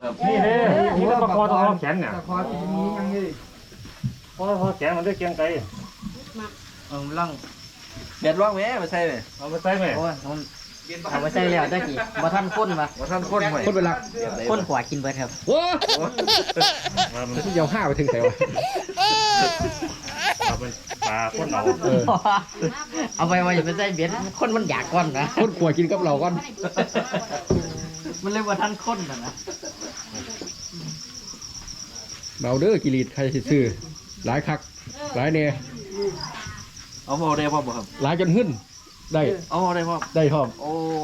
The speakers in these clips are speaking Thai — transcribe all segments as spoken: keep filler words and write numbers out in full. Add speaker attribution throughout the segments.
Speaker 1: นี่เลยนี่ก็ประคอตรงแขนเนี่ย
Speaker 2: ประคอที่นี้ยังนี่
Speaker 1: พอพอแขนมันได้เกียงไกล
Speaker 3: เอาล่องเบ็ดล่องแม่มาใส่ไหม
Speaker 1: เอาไปใส่ไหม
Speaker 4: โอ้ยมันเอาไปใส่แล้วได้กี่บ่ทันข้นวะ
Speaker 3: ว่าท่านคนไหม
Speaker 2: คนเป็นหลัก
Speaker 4: ข้นขวากินเบิดครับ
Speaker 2: โอ้
Speaker 1: มามัน
Speaker 2: ยาวห้าไปถึงไหนวะ
Speaker 1: เอาเป็นปลาข้นเอา
Speaker 2: เออ
Speaker 4: เอาไปว่าอย่าไปใส่เบ็ดคนมันอยากก้อนนะ
Speaker 2: คนขวกินกับเราก่อน
Speaker 4: มันเลยว่าทันข้นนะนะ
Speaker 2: เบาเด้อกิริตใครสิซื้อหลายคักหลายเนี่ย
Speaker 3: เอาพอได้พ่อบ่ครับ
Speaker 2: หลายจนหึ่นได้
Speaker 3: เอาพอได้พ่อ
Speaker 2: ได้พร้อม
Speaker 3: โอ้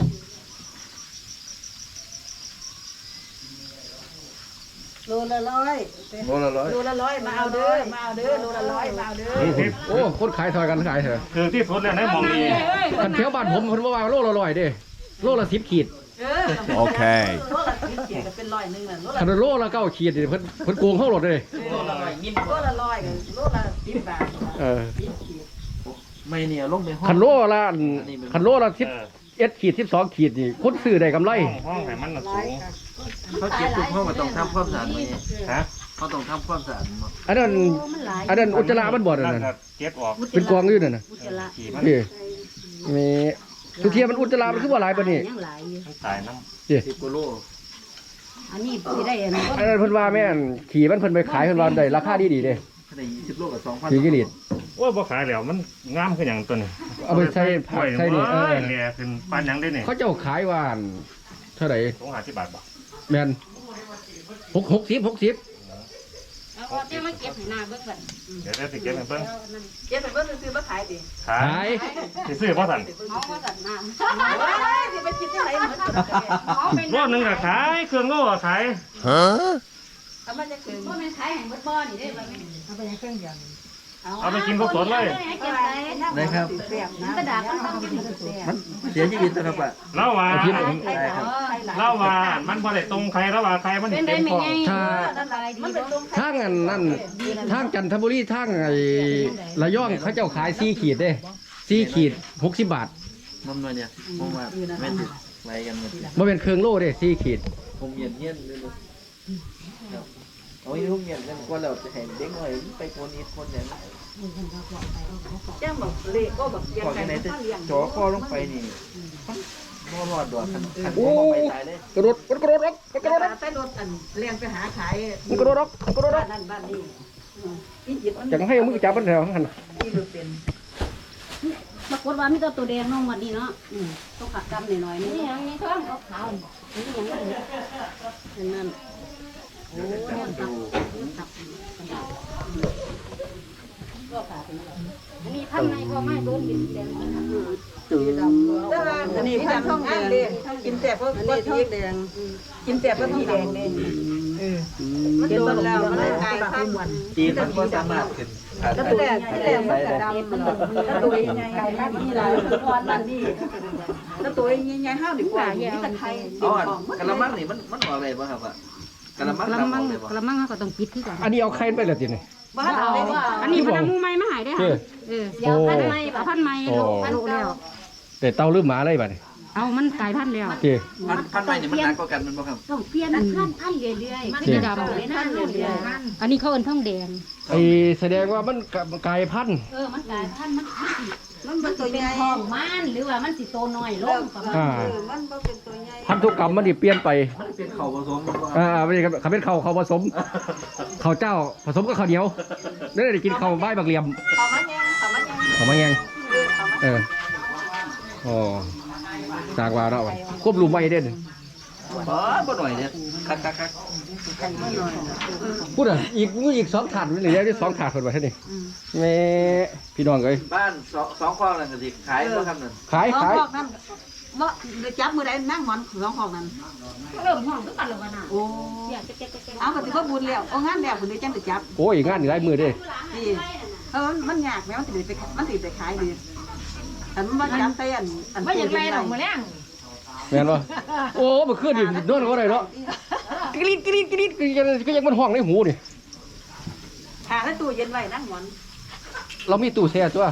Speaker 5: โลละร้อย
Speaker 3: โลละร้อย
Speaker 5: โลละร้อยมาเอาเด้อมาเอาเด้อโลละร้อยมาเอาเด้อ
Speaker 2: โอ้คนขายถอยกันขายเถอะ
Speaker 1: คือที่สุดแล้วในมองนี้
Speaker 2: คันเที่ยวบ้านผมคนว่าโลละร้อยเด้โลละสิบขีด
Speaker 5: เออ
Speaker 6: โอเค
Speaker 5: โลละสิบเขียก็เป็นร้อยหนึงน่ะโลละ
Speaker 2: คันโลละเก้าขีดนี่เพิ่นเพิ่นโกงเข้าหลดเลย
Speaker 5: โลละร้อยยิ้มโลละร้อยกันโลละสิบบาท
Speaker 2: เออ
Speaker 3: ไม่เนี่ยลงไปห้อง
Speaker 2: คันโลละอันคันโลละสิบเอ็ดขีดสิบสองขีดนี่คนซื้อได้กำไร
Speaker 1: ห้องห้องไหนมันสูง
Speaker 3: เขาเก็บปุ๊บเขาก็ต้องทำความสะอาดไหม
Speaker 1: ฮะ
Speaker 3: เขาต้องทำความสะอาดมั้ง
Speaker 2: อันนั้นอันนั้นอุจจาระมันบ่นั่น
Speaker 1: นั่น
Speaker 2: น่ะ
Speaker 1: เก็บออก
Speaker 2: เป็นกองอยู่นั่นน่ะ
Speaker 5: อุจจาระ
Speaker 1: ขี่มัน
Speaker 2: นี่มีทุกเทียมันอุจจาระมันคือว่าหลายปานนี้
Speaker 5: ยังหลายอยู่
Speaker 1: มันตายน้
Speaker 2: นี่
Speaker 3: สิบกิโล
Speaker 5: อันนี้สิได้อันนี้
Speaker 2: อันนั้นเพิ่นว่าแม่นขี่มันเพิ่นไปขายเพิ่นว่าได้ราคาดีๆเด้
Speaker 3: ถ้าได้ยี่สิบโลกับสองพัน
Speaker 2: สี่กิโล
Speaker 1: ำโอ้ยบ่ขายแล้วมันงามขึ้นอย่างตัวนี้
Speaker 2: เอาไปใส่ผักใส่นี่เออ
Speaker 1: แหล่ขึ้นปานยังได้เนี่ย
Speaker 2: เขาเจ้าขายว่าอันเท่าไหร่
Speaker 1: สองห้าสิบบาทบ่
Speaker 2: แม่นหกหกสิบหกสิบ
Speaker 5: เอาเจ้ามาเก็บให้หน้าเบิ่งก่อน
Speaker 1: เดี๋ยวได้สิเก็บให้เพิ่น
Speaker 5: เก็บให้เบิ่งซื้อมาขายดิ
Speaker 1: ขา
Speaker 2: ขาย ย
Speaker 1: สิซื้อบ่ทัน
Speaker 5: เอามาสั่นน้ำว้ายสิไปคิดจังได๋หมดเอาไป
Speaker 1: รอบนึงก็ขายเครื่องโลก็ขาย
Speaker 5: เอามาจะถึงบ่แม่นขายให้หมดบ่นี่เด้บ่แม่นเอาไปให้เครื่องเดียว
Speaker 1: เอาไปกินสดๆเลย
Speaker 3: ได้ครับ
Speaker 5: กระดาษมันต้องกินแซ่บ
Speaker 3: มันเสียชีวิตนะครับอ่ะ
Speaker 1: เล่าว่า
Speaker 3: ได้ครับ
Speaker 1: เล่าว่ามันบ่ได้ตรงใครแล้วว่าใครมันเต็มคอ
Speaker 2: ถ้า
Speaker 5: มันเป็นตรง
Speaker 2: ทางอันนั่นทางจันทบุรีทางไอ้ระยองเขาเจ้าขายสี่ขีดเด้สี่ขีดหกสิบบาท
Speaker 3: น้ำหน่อยเนี่ยผมว่าไม่ติดไรกันหมด
Speaker 2: บ่เป็นเครื่องโลเด้สี่ขีด
Speaker 3: ผมเย็นเย็นเลยครับเอาไอ้ผมเย็นกันก็เราจะเห็นเด็กหน่อยไปคนนี้คนเนี่ย
Speaker 5: แจ้งบอกเลขก็บอกยัง
Speaker 3: ก่อน
Speaker 5: ไง
Speaker 3: ที่ไหน
Speaker 5: มัน
Speaker 3: จะ
Speaker 5: ก็เลี้ยง
Speaker 3: จ่อคอลงไปนี่บ่รอดดอกขันขันผมลงไปตายเลย
Speaker 2: กระโดดมันกระโดดออกมันกระโดดออก
Speaker 5: ไปรถอันเลี้ยงไปหาขาย
Speaker 2: มันกระโดดออกมันกระโดดอ
Speaker 5: บ้า
Speaker 2: อก
Speaker 5: นนั่นบ้านนี้นี่จิตมัน
Speaker 2: จังให้เอามือจับมันแถวหัน
Speaker 5: ที่ดูเป็น
Speaker 7: ปรากฏว่ามีแต่ตัวแดงน้องวันนี้เนาะ
Speaker 5: อืมต้องขัดกำหน่อยๆนี่
Speaker 7: นี่ยังนี่ท้องขาวๆนี่ยังนี่เห็นนั่นโอ้ยมันตับมันตับกระดาษก็ขาดอันนี้ทำไงก็ไม่โดนดินแดงนะคะ
Speaker 5: แต่ว่าอันนี้พันท่องแดงกินแต่เพราะว่าท่องแดงกินแต่เพราะที่แดงเด้เออมันโดนแล้วมันกลายพันธุ์
Speaker 3: จีนมันก็สามารถขึ้น
Speaker 5: แล้วตัวแรกที่แรกมันจะดำมันแล้วตัวใหญ่ๆไก่บ้านนี่ล่ะร้อนบ้านนี่แล้วตัวใหญ่ๆห้าวดีกว่านี่ตะไคร้
Speaker 3: อ๋อกะละมังนี่มันมันออกอะไรบ้างครับอ่ะกะละมัง
Speaker 7: กระ
Speaker 3: ดำอ
Speaker 7: มั
Speaker 3: อง กอะไรบ้าง
Speaker 7: กระมังเขาก็ต้องปิดคือกัน
Speaker 2: อันนี้เอาไข่ไปแล้วติเนี่ย
Speaker 5: บ้านเราได้ดิ
Speaker 7: อันนี้พนักมูไม้มาหายได้ค่ะเออเสียวพันไม้พันไม้โลพันแล้ว
Speaker 2: แต่เตาลืมหมาอะไรบ้านี่
Speaker 7: เอามันกลายพันธุ์แล้ว
Speaker 2: โอเค
Speaker 3: พันพันไม้นี่มันหนักกว่ากันมันบ่ครับ
Speaker 7: ต้องเปลี่ยนพันพันเรื่อยๆ
Speaker 5: มัน
Speaker 7: สี
Speaker 5: จะ
Speaker 7: ดำ
Speaker 5: ดำเลยนะเรื่อย
Speaker 7: อันนี้เขาเอิ้นทองแดง
Speaker 2: ไอแสดงว่ามันกลายพันธุ์
Speaker 7: เออมันกลายพันธุ์มันสิ
Speaker 5: ๆมันเป็นตัวให
Speaker 7: เป็น
Speaker 5: ญ่
Speaker 7: ทองมันหรือว่ามันสิโตน้อยลงประมาณ
Speaker 2: อ่า
Speaker 5: เออมันบ่เป็นตัวใหญ่
Speaker 2: พันธุกรรมมันดิเปลี่ยนไป
Speaker 3: มันเป็นเข่าผสมมันบ่ครับ
Speaker 2: อ่าไม่ใช่ครับเขาเป็นข้าวข้าวผสมข้าวเจ้าผสมกับข้าวเหนียวได้ได้กินข้าวใบบักเหลี่ยม
Speaker 5: เขามาแยงเขามาแยง
Speaker 2: ข้าวมาแยง
Speaker 5: เออเขามา
Speaker 2: เอออ๋อจากว่าเนาะมันควบรุมไว้เด่น
Speaker 3: อ๋อบ่หน่อยเนี่ยคักคักคัก
Speaker 2: พูดอ่ะอีกอีกสองถาดหรือยังได้สองถาดคนไว้เท่านี้แม่พี่น้องเอ้ย
Speaker 3: บ้านสองสองคลองนั่นก็สิขายบ่ครับนั่น
Speaker 2: ขาย
Speaker 5: น้อง
Speaker 2: ขาย
Speaker 5: หอกนั่นบ่เดี๋ยวจับมือใดนั่งหมอนน้องหอกนั่น
Speaker 7: เริ่มห้องคือกันแล้วกันน่ะ
Speaker 5: โอ้
Speaker 7: เสียงเจ๊กๆๆ
Speaker 5: เอาก็สิบ่บุญแล้วเอางานแล้วคุณได้จังได้จับ
Speaker 2: โอ้ยงานนี่หลายมือเด้
Speaker 5: นี่เออมันยากแม้มันสิได้ไปมันสิได้ขายดีแต่มันบ่จับแต่อันอัน
Speaker 7: ว่าอย่างไรดอกมะแรง
Speaker 2: แม่นบ่โอ้เมื่อคืนนี่นอนก็ได้เนาะกรีดกรีดกรีดก็ยังก็ยังมันห้องในหูนี่
Speaker 5: หาแล้วตู้เย็นไว้นั่งหมอน
Speaker 2: เรามีตู้แช่ตัว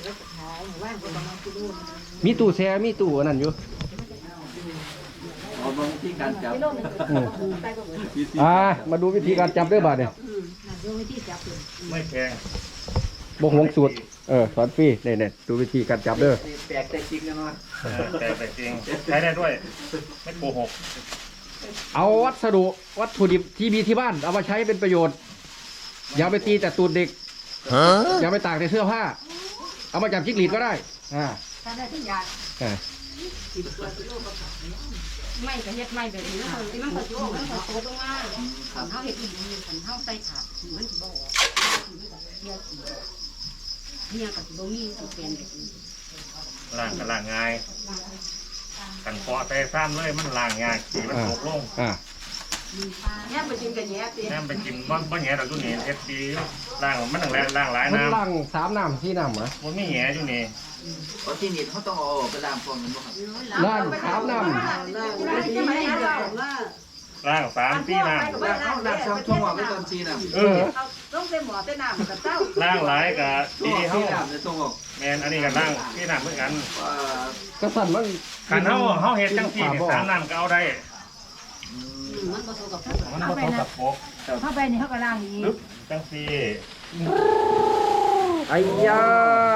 Speaker 2: มีตู้แช่มีตู้อันนั้นอยู่
Speaker 3: เอาบางที่การจับ
Speaker 2: อ่ามาดูวิธีการจับด้วยบาดเนี่ย
Speaker 1: ไม่แพง
Speaker 2: บ่หวงสูตรเออสอนฟรีเนี่ยๆดูวิธีการจับเด้อ
Speaker 3: แปลกแต่จริงกันว่า
Speaker 1: เออแต่แต่จริงใช้ได้ด้วย ไม่โกหก
Speaker 2: เอาวัสดุวัตถุดิบที่มีที่บ้านเอามาใช้เป็นประโยชน์ อย่าไปตีแต่ตูดเด็กอย่าไปตากในเสื้อผ้า เอามาจับจิ้งหรีดก็ได้อ่า
Speaker 7: ถ้าได้ทุกอย่าง
Speaker 2: อ่า
Speaker 7: ไม่ก็เฮ็ดไม่แบบนี้มันมันก็โยกมันก็โตลงมาขันเฮาเฮ็ดดีขันเฮาใส่ขาดมันสิบ่ออกมันก็เสียสีเนี่ยก็สิบ่มีสิเปลี่ยนแบบนี้
Speaker 1: ล่างกับล่างง่ายกันเคาะแต่ซ้ำเลยมันล่างยากสีมันตกลง
Speaker 2: อ่า
Speaker 5: เนี่ยไปกินกันแย่ตี
Speaker 1: แม่ไปกินบ้านบ้านแหน่เราอยู่นี่เอฟซีล่างมันตั้งแรงล่างหลาย
Speaker 2: มัน
Speaker 1: น้ำ
Speaker 2: ล่างสามน้ำที่น้ำเหรอ
Speaker 1: มันไม่แหน่อยู่นี่
Speaker 3: เพราะที่นี่เขาต้องเอาไปล้างฟองกันบ่ครับ
Speaker 2: ล่างสามน้
Speaker 1: ล่างสามสี่น้
Speaker 3: ล้างเขาล้างช่องช่องว่าไปตอนซีน่ะ
Speaker 1: ำเออ
Speaker 5: ต้องเป็นหมอเป็นน้ำกับเต้า
Speaker 1: ล่างหลายกับ
Speaker 3: ที่
Speaker 1: ดี
Speaker 3: ซี
Speaker 1: เฮา
Speaker 3: น่ะจะต้องออก
Speaker 1: แมนอันนี้กับล่างที่น้ำเหมือนกัน
Speaker 3: ว่า
Speaker 2: ำกระสันมัน
Speaker 1: ขันเฮาเฮาเฮ็ดจังสี่สามน้ำก็เอาได้
Speaker 7: มันบ่โตกับ
Speaker 1: มันก็ต้องกับพก
Speaker 7: เข้าไปนี่เขาก็ล้างอีก
Speaker 1: ปึ๊บจังสี่
Speaker 2: ไอ้ยา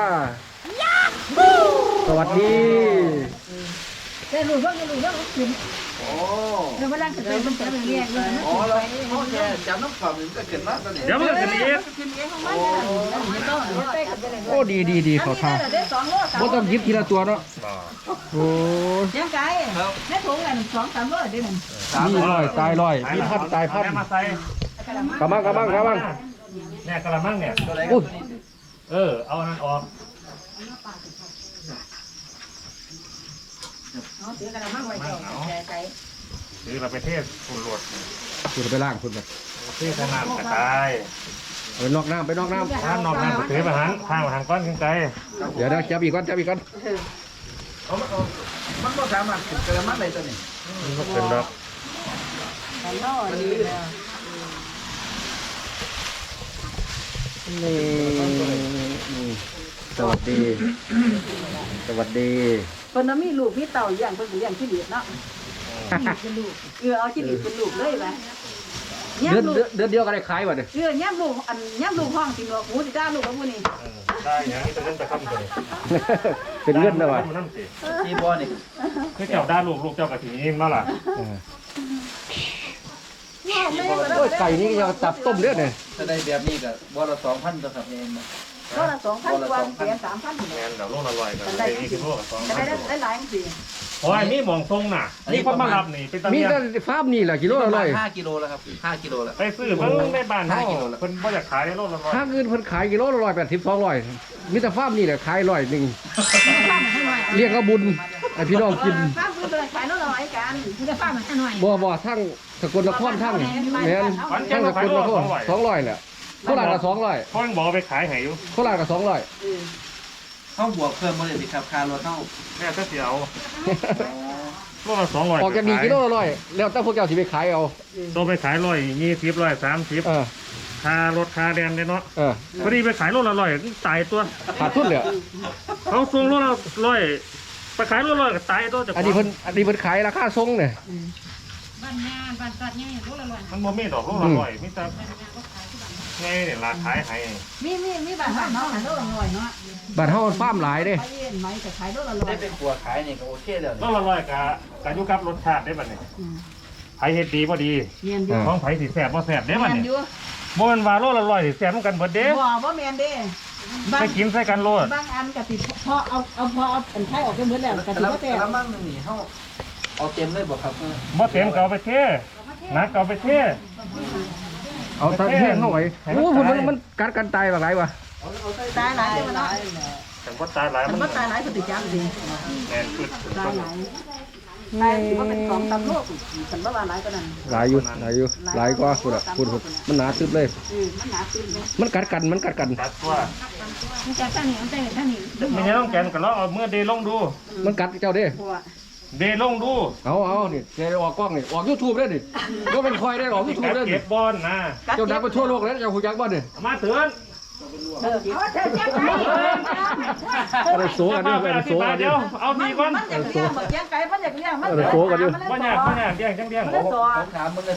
Speaker 2: สวัสดี
Speaker 7: แต่รู้ว่ารู้ว่ากิน
Speaker 3: โอ้
Speaker 7: แล้วเวลาก็เป็นมันจะเรียกเลย
Speaker 3: อ๋อแล้วเขาแค่จับน้ำความมันก็เกิดมาตอนนี้
Speaker 1: เดี๋ยวมันจะมี
Speaker 2: โอ้ดีดีดีเขาทา
Speaker 5: ได้สองโล
Speaker 2: บ่ต้องหยิบทีละตัวเนาะโอ้ย
Speaker 5: ยังไงแม่ถุงกันสองสามโลได้หนึ่ง
Speaker 2: มีลอยตายลอยมีพัดตายพัด
Speaker 1: มาใส่
Speaker 2: กระมังกระมังกระมัง
Speaker 1: เนี่ยกระมังเนี่ย
Speaker 3: ตัวไหน
Speaker 2: อุ้ย
Speaker 1: เออเอานั่นออก
Speaker 5: เอาถือกระมังไว้ก่อนแช่ใจ
Speaker 1: หรือเราไปเทศฝุ่นหลด
Speaker 2: คุณไปล่างคุณไป
Speaker 1: เทศน้ำกระจาย
Speaker 2: ไปนอกน้ำไปนอกน้
Speaker 1: ถ้านอกน้ำก็ถือประหารข้างประหารก้อนขึ้นใจ
Speaker 2: ำเดี๋ยวเดี๋ยวจับอีกก่อนจับอีกก่อน
Speaker 3: เอามันเอามันก็สามารถเกิดมาได้ตัวนี้
Speaker 1: มันก็เป็นดอก
Speaker 5: กันน้อย
Speaker 2: นี่อืมสวัสดี สวัสดี
Speaker 5: เพิ่นมีลูกมีเต่าอย่างเพิ่นเลี้ยงขี้เหลียดเนาะเออเอาขี้เหลียดเป็นลูกเลยไหม
Speaker 2: เดือนเดือนเดือนเดียวก็ได้ขายว่ะเนี่ย
Speaker 5: เออย่ำลูกอันย่ำลูกห้องสิหนวกหูสิจ้าลูกกับผู้นี้
Speaker 1: ได้อย่างนี้จะเล่นไปคำเลย
Speaker 2: เป็นเงินนะวะ
Speaker 1: น้ำสิ
Speaker 3: ที่บ่อนี่
Speaker 1: คือเจ้าด้าลูกลูกเจ้ากระถิ่นนี่มาล่ะ
Speaker 2: เออโอ้ยไก่นี่ยังจับต้มเลือดเนี่ย
Speaker 3: ถ้าได้แบบนี้ก็บ่ละสองพันตัวครับเองนะ
Speaker 5: ก็ละสองพันกว่าเสียสามพัน
Speaker 1: แมนเดี๋ยวโลละร้อยกันเลยนี่คือโลละสอง
Speaker 5: จะได้ได้หลายสิ
Speaker 1: โอ้ยมีมองทรงน่ะนี่คนมารับนี่เป็นตะ
Speaker 2: มี
Speaker 1: เมีย
Speaker 2: แต่ฟาร์มนี่แหละกิโลละร้อย
Speaker 3: ห้ากิโลแล้วครับห้ากิโลแล้ว
Speaker 1: ไปซื้อเพิ่งในบ้านเขาเพิ่นบ่อยากขายโลละร้อย
Speaker 2: ถ้าเงินเพิ่นขายกิโลละร้อยแปดสิบสองร้อยมีแต่ฟาร์มนี่แหละขายร้อยหนึ่งเรียกเขาบุญไอพี่น้องกิน
Speaker 5: ฟ้าฟื้นเลยขายน้อยกัน
Speaker 7: มันจะฟ้ามันหน่อย
Speaker 2: บ่บ่ทั้งสกลนครทั้งแม่นทั้งสกลนครสองร้อยแหละโคราชก็สองร้อย
Speaker 1: พ่อยังบอกไปขายให้อยู่
Speaker 2: โคราชก็สองร้อย
Speaker 3: เขาบวกเพิ่มมาเลยสิครับค่ารถเท่า
Speaker 1: แม่ก็เสียวโลละสองร้อย
Speaker 2: ออกจากนี่กิโลละร้อยแล้วแต่พวกเจ้าสิไปขายเอา
Speaker 1: ตัวไปขายร้อยยี่สิบร้อยสามสิบ
Speaker 2: เออ
Speaker 1: ค่ารถค่าแดนเนี่ยเนาะ
Speaker 2: เออ
Speaker 1: พอดีไปขายโลละร้อยตายตัว
Speaker 2: ขาดทุนเลย
Speaker 1: เขาส่งโลละร้อยไปขายโลละร้อยก็ตายตัวจะ
Speaker 2: อันนี้เพิ่นอันนี้เพิ่นขายราคาทรงเนี่ย
Speaker 7: บ้านงานบ้านตัดเนี่ยรู้ละลอย
Speaker 1: มันบ่มีดอกโลละร้อยมีแต่ไงเนี่ยราขายให้
Speaker 5: มีมีมีบ้านบ้านน้องหันโลละหน่อยเนาะ
Speaker 2: บ้านเฮาฟาร์มหลายเด้
Speaker 5: ไปเย็นไหมจะขายโลละร้อ
Speaker 3: ได้
Speaker 5: ย
Speaker 3: เป็นครัวขายนี่ก็โอเคแล้ว
Speaker 1: โลละร้อยกะกะอยู่กับรสชาติได้บัดนี้ไผเฮ็ดดีบ่ดี
Speaker 5: เมียนอยู่
Speaker 1: ของไผสิแซ่บบ่แซ่บเด้บัด
Speaker 5: เมียน
Speaker 1: นี้
Speaker 5: อยู่
Speaker 1: บ่แม่นว่าโลละร้อยสิแซ่บเหมือนกันเบิดเด้
Speaker 5: บ่บ่เมียนเด้บาง
Speaker 1: ไปกินใส่กันโลด
Speaker 5: บางอันกะติพอเอาเอาพอเอาเป็นไข่ออกไปหมดแล้วกะติ
Speaker 3: แล้ว
Speaker 5: ก็แต่
Speaker 3: แล้วมั่งนึงนี่เฮาเอาเต็มเลยบ่ครับ
Speaker 1: บ่เต็มก็เอาไปเทนักก็เอาไปเท
Speaker 2: เอาตะแห้งหน่อยโอ้มันมันมันกัดกันตายแบบไรวะ
Speaker 5: ตายหลายเนาะ
Speaker 1: แต่บ่ตายหลาย
Speaker 5: มั
Speaker 1: มัน น
Speaker 5: บ่ตายหลายก็ติดจังสิ
Speaker 1: แม่นปึ๊ด
Speaker 5: ตายหลายตายสิบ่เป็นสองตำโลกฉันบ่ว่าหลายกว่านั้น
Speaker 2: หลายอยู่หลายอยู่หลายกว่าคุณอ่ะคุณมันหนาซึบเลย
Speaker 5: เออมันหนาขึ้นเลย
Speaker 2: มันกัดกันมันกัดกัน
Speaker 1: ตัดตัว
Speaker 7: มันจะท่านี่มันจะท่านี่
Speaker 1: มีน้องแกนก็ลองเอามือเดลงดู
Speaker 2: มันกัดเจ้าเด้
Speaker 5: เพราะว่า
Speaker 1: เดลงดู
Speaker 2: เอาเอานี่แกออกกล้องนี่ออกยูทูบได้ดิก็เป็นคอยได้ออกยูทูบได้ดิ
Speaker 1: เก็บบอลนะ
Speaker 2: เจ้าดังไปทั่วโลกแล้วเจ้าหูยักษ์บ้านนี่
Speaker 1: มาเตือน
Speaker 5: เออเอาเธอแจ้งไป
Speaker 2: อะไรโซกันด้วยอะไรโซกันด้
Speaker 1: เดี๋
Speaker 2: วย
Speaker 1: ยวเอาดีก่อน
Speaker 5: มันอยากเลี้ยงแบบเลี้ยงไก่มันอยากเลี้ยงมัน
Speaker 2: เออโซกันด้วย
Speaker 1: บ่ยากบ่ยากเลี้ยงจังเลี้ยง
Speaker 5: มัน
Speaker 1: โอ้
Speaker 5: ตัว
Speaker 3: ผมถามมึงเลย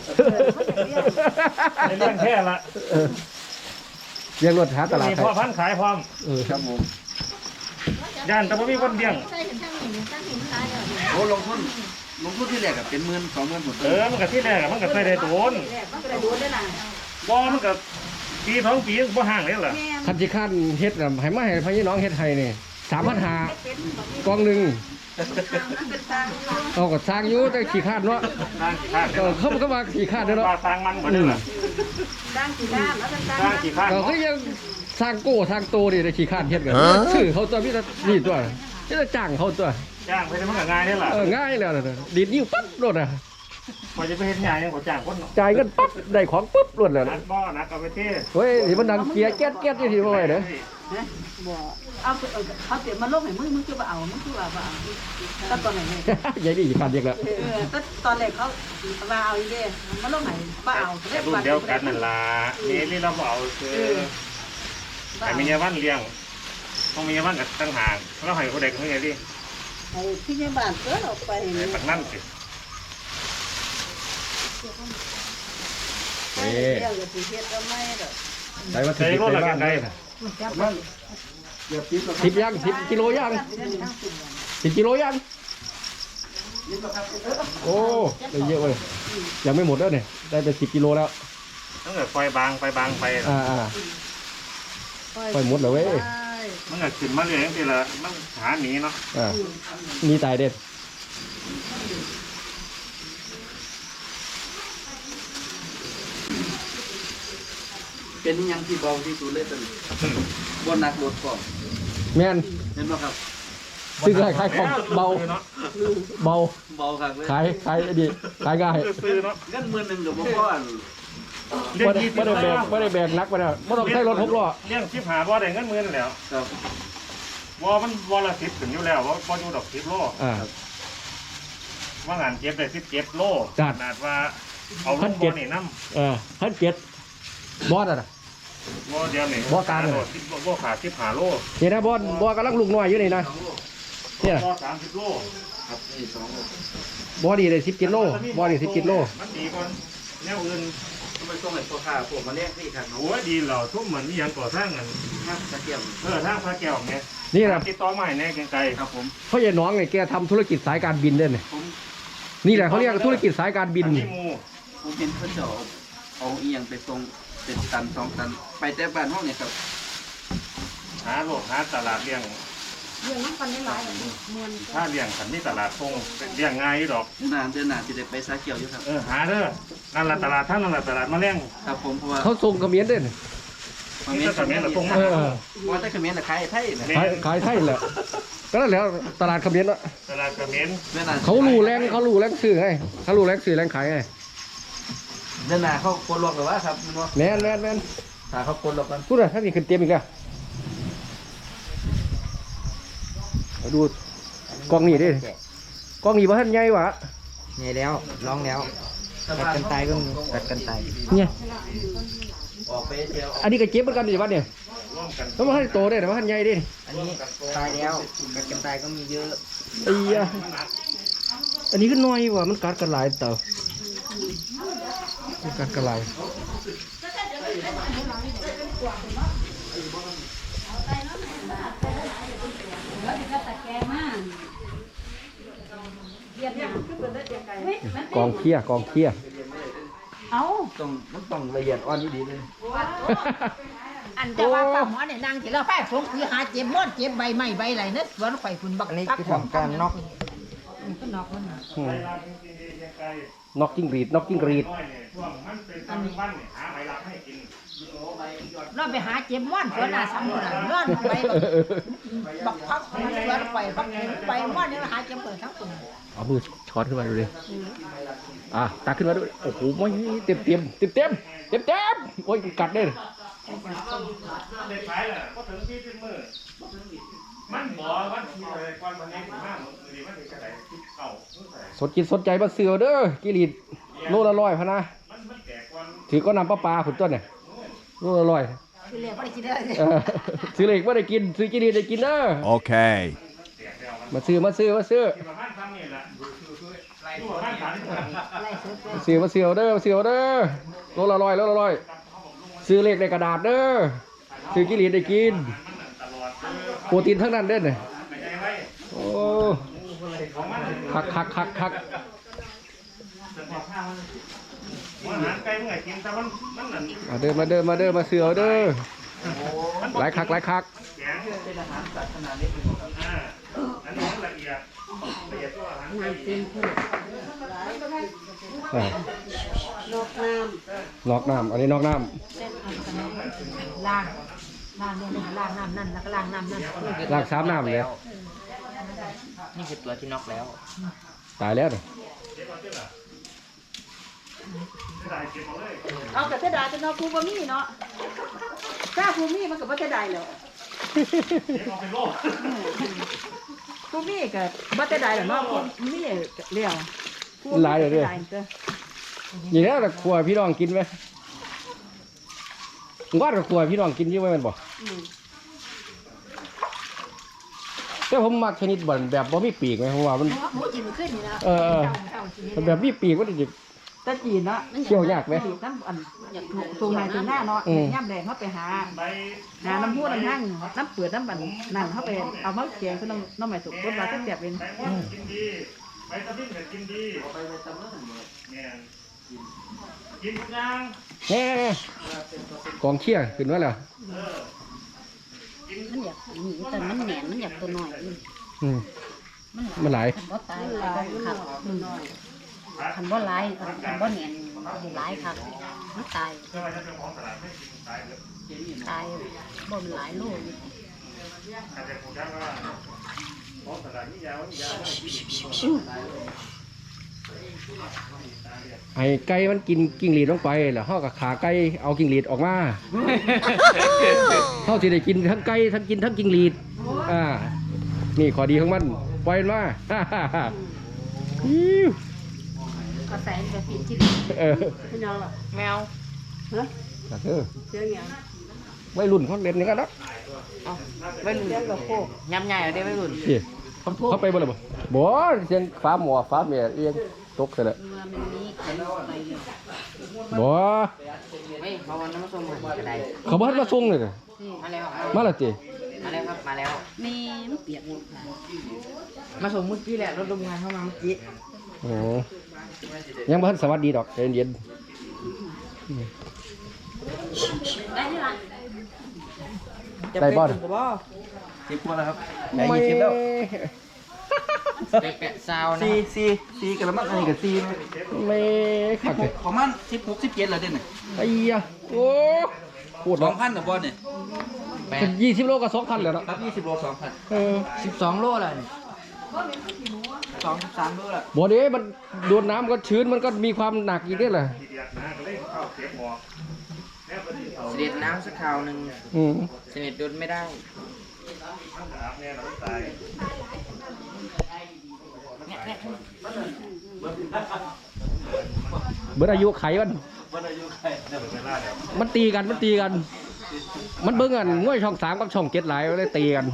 Speaker 1: เลี้ยงแค่ละ
Speaker 2: เออเลี้ยงรถหาตลาด
Speaker 1: มี
Speaker 2: ไทย
Speaker 1: พ่อพันธุ์ขายพร้อม
Speaker 2: เออ
Speaker 3: ครับผม
Speaker 1: ย่านแต่บ่มีคนเลี้ยง
Speaker 7: ใส่ถึงทั้งนี้ทั้งนี้ตายแล้ว
Speaker 3: โอ้ลงทุนลงทุนที่แรกอะเป็นหมื่นสองหมื่นหมด
Speaker 1: เออมันก็ที่แรกอะมันก็ใส่ได้โดน
Speaker 5: มันก็ได้ดูได้น่ะ
Speaker 1: บ่มันก็ปีสองปีบ่ห่างเลยล่ะ
Speaker 5: แม่
Speaker 2: คันจิขั้นเฮ็ดน่ะให้มาให้พี่น้องเฮ็ดให้นี่สามพันห้ากองหนึ่ง
Speaker 5: เป็นทาง
Speaker 2: เอาก็สร้างอยู่แต่ขี้คร้าดเนาะ
Speaker 1: สร้างกี่ข้าง
Speaker 2: เออเขาก็มาขี้คร้าดเด้อเนาะ
Speaker 1: ว่าสร้างมันบ่ได้ล่ะ
Speaker 5: สร้างกี่ด้านแล้วเป็นสร้าง
Speaker 1: สร้างกี่ข้าง
Speaker 2: ก็คือยังสร้างโก้สร้างโตนี่ได้ขี้คร้าดเฮ็ดกันซื้อเขาตัวมีแต่นี่ตัวนี่แต่จ้างเขาตัว
Speaker 1: จ้างไปได้มันก็ง่ายนี่ล่ะ
Speaker 2: เออง่ายแล้วน่ะดีดนิ้วปั๊บรถอ่ะ
Speaker 1: พอจะไปเฮ็ดหยังยังบ่จ้างคนเนาะ
Speaker 2: จ่ายเงินปั๊บได้ของปุ๊บรถแล้ว
Speaker 1: นั
Speaker 2: นะ
Speaker 1: ดบ่นัดเอาไปเท
Speaker 2: เฮ้ยที่มันดังเกียร์แก๊ดแก๊ดที่ที่บ่ไหวเด้อ
Speaker 5: บ่เอาเขาเตรียมมาลงให้มึงมึงคือบ่เอามึงคือว่าบ่เอาตอนตอนไหนเนี่ย
Speaker 2: ยายนี่ขาดเด็กแล้ว
Speaker 5: เออตอนตอนแรกเขาว่าเอาอีเด้มาลงไหนบ่เอา
Speaker 1: แต่รุ่นเดียวกันนั่นล่ะนี่นี่เราบ่เอาคือแต่มีเยาวันเลี้ยงต้องมีเยาวันกับตั้งหากเราให้ผู้ใดก็ให้ดิ
Speaker 5: ไอ้ที่ในบ้านเกิดออกไป
Speaker 1: ให้ปักนั่นสิ
Speaker 2: เอ้
Speaker 5: เดี๋ยวจะสิเฮ็ดเอาไม่ดอก
Speaker 2: ใส่มา
Speaker 1: ใส่
Speaker 2: สิบ
Speaker 1: รถ
Speaker 2: ใน
Speaker 1: ละ
Speaker 2: บ้า
Speaker 1: กัน น
Speaker 2: ได้
Speaker 1: ได้
Speaker 3: มันเดี๋ยวปิ๊บแล้ว
Speaker 2: สิบยังสิบกิโลยังสิบกิโลยังโอ้ได้เยอะเลยยังไม่หมดแล้วเนี่ยได้ไปสิบกิโลแล้ว
Speaker 1: ตั้งแต่ไฟบางไฟบางไป
Speaker 2: อ่าอ่าไปหมดแล้วเว้ย
Speaker 1: มันก็ขึ้นมาเรื่อยจังซี่ล่ะมันหาหนีเนาะ
Speaker 2: อ่ามีตายเด็ด
Speaker 3: เป็นยังที่เบาที่สุดเลยตอนนี้บนนักรถก่อน
Speaker 2: แม่น
Speaker 3: เห็นไหมครับ
Speaker 2: ซื้อขายขายของเบา
Speaker 1: เนาะ
Speaker 2: เบา
Speaker 3: เบาครับเลย
Speaker 2: ขายขายดีขายง่าย
Speaker 1: ซื้อเนาะ
Speaker 3: เงินหมื่นหนึ่งกับพ่อพ่อ
Speaker 1: เลี้ยง
Speaker 2: ไม่ได้
Speaker 1: ยี่สิ
Speaker 2: ไม่
Speaker 1: บ
Speaker 2: ได้แบกไม่ได้แบกนักไปแล้วไม่ต้องใช้รถหกล้อ
Speaker 1: เลี้ยงสิบหาบ่ได้เงินหมื่นแล้ว
Speaker 3: ครับ
Speaker 1: วอมันวอละสิบถึงอยู่แล้วว่าพออยู่ดอกสิบโล
Speaker 2: อ่า
Speaker 1: ว่างานเก็บได้สิบเจ็ดโล
Speaker 2: จัด
Speaker 1: ขนาดว่าเอาล
Speaker 2: พัน
Speaker 1: ง
Speaker 2: เจ็
Speaker 1: บ่
Speaker 2: ด
Speaker 1: อนี่น้
Speaker 2: เออพันเจ็ดบอสอ่ะนะ
Speaker 1: ำวอเดียวนี่
Speaker 2: บ่กลางเลย
Speaker 1: โดดสิบบ่ขาดสิบหาโล
Speaker 2: นี่นะบอสบอสกำลังลูกน้อยอยู่นี่นะเนี่ย
Speaker 1: วอสามสิบโล
Speaker 3: ครับนี่สองโล
Speaker 2: บอสนี่เลยสิบกิโลบอสนี่สิบกิโล
Speaker 1: มันดีกว่าแนวอื่น
Speaker 3: ทำไมส่งให้พ่อข้าพวกมาเรียกนี่ครับ
Speaker 1: โอ้ยดีเหล่าทุ่มเหมือนมีอย่างก่อสร้างกัน
Speaker 3: ครับตะเกียบ
Speaker 1: เออทางพระแก้วเนี่ย
Speaker 2: นี่นะ
Speaker 1: ติดต่อมาให้แน่ไกลๆ
Speaker 3: ครับผม
Speaker 2: พ่อใหญ่น้องเนี่ยแกทำธุรกิจสายการบินด้วยเนี่ย
Speaker 3: ผม
Speaker 2: นี่แหละเขาเรียกธุรกิจสายการบิน
Speaker 1: อันนี้หมู
Speaker 3: ผมเห็นเพื่อนจะเอาเอาอีหยังไปส่งเป็นตันสองตัน ไปแต่บ้านห้องเนี่ยครับ
Speaker 1: หาโลกหาตลาดเลี้ยง
Speaker 7: เรื่องน้ำกันหลายๆมวน
Speaker 1: ถ้าเลี้ยงขันนี่ตลาดคงเลี้ยงง่ายอยู่ดอก
Speaker 3: เดือนหน้าเดือนหน้าจะได้ไปสาเกี่ยวอยู่ครับ
Speaker 1: เออหาเด้อนั่นละตลาดท่านนั่นละตลาดมะเร็ง
Speaker 3: ครับผมเพราะว่า
Speaker 2: เขาส่งเขมิ้นด้วยเนี่ย
Speaker 3: คอมเมนต์คอมเมนต์
Speaker 1: ส่งมา
Speaker 2: เออ
Speaker 3: ว่าแต่คอมเมนต์น่ะขายไทยนะ
Speaker 2: ขายขายไทยแหละก็นั่นแหละตลาดเขมิ้นอะ
Speaker 1: ตลาดกระเมน
Speaker 3: เดือนหน้า
Speaker 2: เขารู้แรงเขารู้แรงซื้อไงเขารู้แรงซื้อแรงขายไง
Speaker 3: เดือนหน้าเขาโคนล็อกหรือว่าครับมันว่า
Speaker 2: แน่นแน่นแน่น
Speaker 3: ถ้าเขาโคนล็อกกัน
Speaker 2: พูดเลยถ้ามีขึ้นเตรียมอีกอะมาดูกล้องนี่ดิกล้องนี่ว่าท่านใหญ่หวะ
Speaker 4: ใหญ่แล้วร้องแล้วกัดกันตายก็มีกัดกันตาย
Speaker 2: เนี่ย
Speaker 3: ออกไปเที่ยว
Speaker 2: อันนี้ก็เจ็บเหมือนกันดิวัดเนี่ย
Speaker 1: ร่วมกัน
Speaker 2: แล้วมันให้โตได้แต่ว่าท่านใหญ่ดิ
Speaker 4: อันนี้ตายแล้วกัดกันตายก็มีเยอะ
Speaker 2: ไอ้ยะอันนี้ก็น้อยว่ะมันกัดกันหลายเต่ามันกัดกันหลาย กองเคี้ยกองเคี้ย
Speaker 5: เอา
Speaker 3: ต้องมันต้องละเอียดอ่อนดีๆเลย
Speaker 6: อันจะว่าป้าหมอเนี่ยนางที่เราแพ้สงคือหาเจ็บม้อนเจ็บใบไม้ใบไหลเนอะสวนไฟฝุ่นบัก
Speaker 4: อันนี้คือทำการน็อก
Speaker 6: ก็นอกมัน
Speaker 2: อืมนอกจิ้งหรีดนอกจิ้งหรีด
Speaker 1: น้อยเนี่ยช่วงมันเป็นตอนวันเนี่ยหาใบรับให้กิน
Speaker 6: นอนไปหาเจ็บม้อนสวนหน้าสำนักนอนไปบักพักสวนไฟบักใบม้อนเนี่ยหาเจ็บเปิดทั้งฝุ่น
Speaker 2: เอามือช้อนขึ้นมาดูดิอ่ะตักขึ้นมาด้วยโอ้โหไม่เต็มเต็มเต็มเต็มเต็มเต็มโอ้ยกัดได้เลย
Speaker 1: ได้ขายแหละก็ถึงที่เป็นมือมันบ่วันที่เลยก่อนวันนี้ถึงมากมือดีมันถึงกระไดที่เก่าเมื่อไหร่
Speaker 2: สนจิตสนใจมาเสือเด้อกิริดโลละร้อยพะนะ
Speaker 1: มันมันแก่กว่า
Speaker 2: ถือก็นำปลาปลาขุนต้นเนี่ยโลละร้อย
Speaker 1: ข
Speaker 6: คือเรียกว่าได้กินได้
Speaker 2: เออซื้อเหล็กว่าได้กินซื้อกินได้กินเด้อ
Speaker 8: Okay.
Speaker 2: มาซื้อมาซื้อมาซื้อ
Speaker 1: ที่ประมาณซ้ำนี่แหละที่ประมาณสามสิบคน
Speaker 6: ไล่ซื้อไป
Speaker 2: มาซื้อมาซื้อเอาเด้อมาซื้อเอาเด้อโลละร้อยโลละร้อยซื้อเหล็กในกระดาษเด้อซื้อกินได้กิน
Speaker 1: ตลอดคือ
Speaker 2: โปรตีนทั้งนั้นเด้อเนี่ย
Speaker 1: ไม่ใช่ไว้
Speaker 2: โอ้
Speaker 1: ของมัน
Speaker 2: คักคักคักคัก
Speaker 1: อาหารไก่เมื่อไงกินแต่มันมันนั่น
Speaker 2: มาเด้อมาเด้อมาเด้อมาซื้อเอาเด้อหลายคักหลายคัก
Speaker 1: แข็ง
Speaker 3: เป็นอาหารสัตว์ขนาดเล็กเป็นของ
Speaker 1: อ่าอันนี้มันละเอียดละเอียดตัวอาหารไก่
Speaker 2: อ่า
Speaker 5: นกน้
Speaker 2: นอกน้ำอันนี้นอกน้
Speaker 6: ล้างล้างเนี่ยนะล้างน้ำนั่นแล้วก็ล้างน้ำนั่น
Speaker 2: ำล้างสามน้ำเลย
Speaker 4: นี่คือตัวที่น็อกแล้ว
Speaker 2: ตายแล้วเนี่ย
Speaker 1: ได้เก็บเอาเลย
Speaker 5: ำเอาแต่เสียดายจะเนาะครูบ่มีเนาะถ้าครูมีมันก็บ่เสียดายแล้ว
Speaker 1: เก็บเอาเป็นโลก
Speaker 5: ครูมีก็บ่เสียดายแล้วเนาะครูมีเลี้ยวครู
Speaker 2: หลายเลยเด้อ
Speaker 5: สีดด้อ
Speaker 2: อย่างนี้แต่ครัวพี่น้องกินไหมงอดกับครัวพี่น้องกินอยี่ไหมแมันบอก
Speaker 5: อืม
Speaker 2: แต่ผมมักชนิดบ่อนแบบบ่มีปีกไหมเพราะว่ามัน
Speaker 6: หมูกินขึ้นนี่นะ
Speaker 2: เออเออ
Speaker 6: เจ้ากิน
Speaker 2: มันแบบมีปีกมันจะ
Speaker 5: แต่จีนเนาะ
Speaker 2: เคี่ยวยากไหม
Speaker 5: จีนน้ำอันอยากสูงไหนสูงหน้าเนาะ
Speaker 2: อืม
Speaker 5: ย่ำแดงเขาไปหา
Speaker 1: ใบ
Speaker 5: หาน้ำพุน้ำหั่งน้ำเปลือกน้ำบันนั่นเขาไปเอามาแกงคือน้ำน้ำใหม่สุกบดมาตั้งแต่เป็น
Speaker 1: ใบม่วงกินดีใบตะลิ่งก็กินดี
Speaker 3: ไปไปตำนั่นเนี่ย
Speaker 1: เนี่ยกินทุกอย่าง
Speaker 2: แน่กองเชี่ยขึ้นมาแล้ว
Speaker 1: เออกิน
Speaker 7: มันอยากหนีแต่มันแหนมันอยากตัวน้อย
Speaker 2: อืมมันหลาย
Speaker 7: คันบ่ตายก็ขับคันบ่หลายคันบ่แหนสิหลายคักมันตาย
Speaker 1: เพื่อว่าจะเป็นของตลาดไม่กินตายเลย
Speaker 7: ตายบ่มันหลายโลอยู่
Speaker 1: อาจจะพูดได้ว่าของตลาดนี่ยาวนี่ยาวไม่กินอีก
Speaker 2: ไอ้ไก่มันกินกิ้งหรีดลงไปแล้วเฮากับขาไก่เอากิ้งหรีดออกมาเฮาสิได้กินทั้งไก่ทั้งกินทั้งกิ้งหรีดอ่านี่ข้อดีของมันปล่อยมันมาฮ่าฮ่าฮ่าอิ๊ว
Speaker 6: ก็ใส่ไปกินที่
Speaker 2: เออ
Speaker 5: พี่น้องล่ะ
Speaker 4: แมว
Speaker 2: แต่เออ
Speaker 5: เสียงหยัง
Speaker 2: ไม่รุ่นเขาเล่นอย่างนั้นนะ
Speaker 4: ไม่รุ่น
Speaker 5: เสียงกับโคก
Speaker 4: ย้ำใหญ่เอาได้ไม่รุ่น
Speaker 2: นี่เขาเขาไปบ่เลยบ่บ่เสียงฟ้าหมอฟ้าเมียเอียงตกเสร็จแล้ว
Speaker 7: ว่ามันมีไข่ไปอยู่
Speaker 2: บ่
Speaker 4: ไม่เพราะวันนั้นมาส่งผมกระได
Speaker 2: เขาบ่ทันมาส่งเลยน่ะ
Speaker 4: มาแล้ว
Speaker 2: มาและติ
Speaker 4: มาแล้วครับมาแล้ว
Speaker 7: มีมันเปียกหมดค่ะ
Speaker 4: มาส่งเมื่อกี้แหละรถโรงงานเข้ามาเมื่อกี้
Speaker 2: โอ้ยังบ่ทันสวัสดีดอกใจเย็น
Speaker 7: ได้นี่ล่ะ
Speaker 2: ๆได้บ่
Speaker 3: สิบกว่าแล้วครับ
Speaker 2: ไม่
Speaker 3: ยี่สิบแล้ว
Speaker 4: แปะแปะซาวนะ
Speaker 3: สี่สี่สี่กันแล้วมั้งอันนี้กับสี่นะ
Speaker 2: ไม่คักเลย
Speaker 3: ประมาณสิบหกสิบเจ็ดแล้วเด่น
Speaker 2: ไอ้ยะโอ้พูด
Speaker 3: ส
Speaker 2: แล้
Speaker 3: อ
Speaker 2: ว
Speaker 3: งพันกับบอลเนี่ย
Speaker 4: แปะ
Speaker 2: เป็นยี่สิบโลก็สองพันแล้วเนาะ
Speaker 3: ครับยี่สิบโลสองพัน
Speaker 2: เออ
Speaker 4: สิบสองโลเลย
Speaker 3: สองสิบสามโลละ
Speaker 2: บ่เด้มันโดนน้ำก็ชื้นมันก็มีความหนักอีกเด้ล่ะ
Speaker 1: ทีเดียดนะก็เลยเข้าเก็บหมอกแล้วก็ที่เขา
Speaker 4: เสด็จน้ำสักคราวหนึ่ง
Speaker 2: อืม
Speaker 4: เสด็จโดนไม่ได้
Speaker 1: มันอาบเนี่ยเราตาย
Speaker 2: เบิดอายุไขมัน
Speaker 3: วันอายุใคร
Speaker 1: เวลาเดี๋ยว
Speaker 2: มันตีกัน มันตีกัน มันเบิ่งกันง่วยช่องสามกับช่องเจ็ดหลายมันเลยตีกัน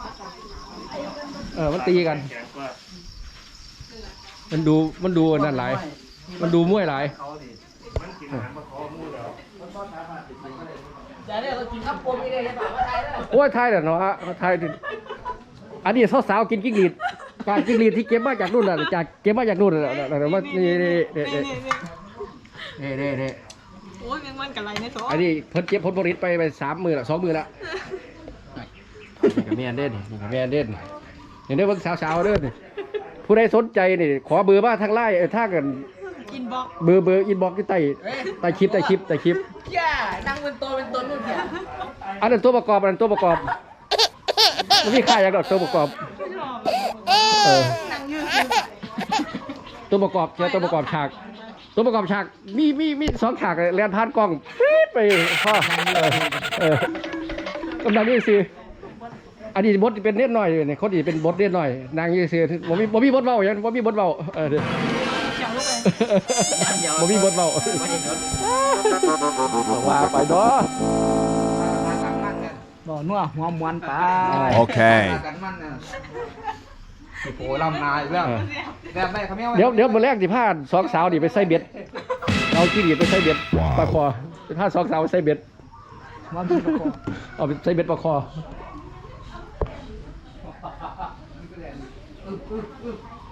Speaker 2: เออ มันตีกัน
Speaker 1: แข็งกว่า
Speaker 2: มันดู มันดูนั่นหลาย มันดูมวยหลาย
Speaker 3: เขาดิ
Speaker 1: มันกินอาหารมาคอมูแล้ว
Speaker 4: จะได้เรากินข้าวปมนี่เลยใช่ป่ะว่าไทยเลย
Speaker 2: โอ้ยไทยเด้อเนาะฮะไทยดิอันนี้สาวๆกินกิ้งหรีดการกิ้งหรีดที่เก็บมาจากนู่นน่ะจากเก็บมาจากนู่นน่ะน่ะน่ะว่านี่นี่นี่นี่นี่นี่นี่
Speaker 5: โอ้ยยังมันกันไรเนี่ยโถ
Speaker 2: อันนี้เพิ่นเก็บผลผลิตไปไปสามมือละสองมือละนี่ก็แม่นเด่นนี่ก็แม่นเด่นนี่เด้อเบิ่งสาวๆเด้อนี่ผู้ใดสนใจนี่ขอเบอร์มาทางไลน์เออทางกัน
Speaker 5: กินบอก
Speaker 2: เบอร์เบอร์อินบ็อกซ์ที่ใต้ใต้คลิปใต้คลิปใต้คลิป
Speaker 4: ย่านั่งเป็นตัวเป็นตนนู่นเนี่ย
Speaker 2: อันนั้นตัวประกอบอันนั้นตัวประกอบมันมีค่าอย่างดอกตัวประกอบเออตัวประกอบเชียวตัวประกอบฉากตัวประกอบฉากมีมีมีสองฉากเลยแลนผ่านกล้องปี๊ดไปพ่อเออเออกำลังนี่สิอันนี้บทเป็นเน็ตหน่อยเนี่ยคนนี้เป็นบทเน็ตหน่อยนางยี่สิบ่มีบ่มีบทเบาอย่างบ่มีบทเบาเออเดี๋ยวบ่มีบทเบาว่าไปเนาะ
Speaker 4: บ่นัวหัวมวนไป
Speaker 8: โอเค
Speaker 4: กันมันน่ะสิโผล่ำนาอีกแล้วแบบได้เขาไม่เอา
Speaker 2: เดี๋ยวเดี๋ยวมื้อแรกสิพาสองสาวนี่ไปใส่เบ็ดเอาขี้ดีไปใส่เบ็ดปลาคอสิพาสองสาวไปใส่เบ็ด
Speaker 4: ว่ามีประกอบ
Speaker 2: เอาไปใส่เบ็ดปลาคอ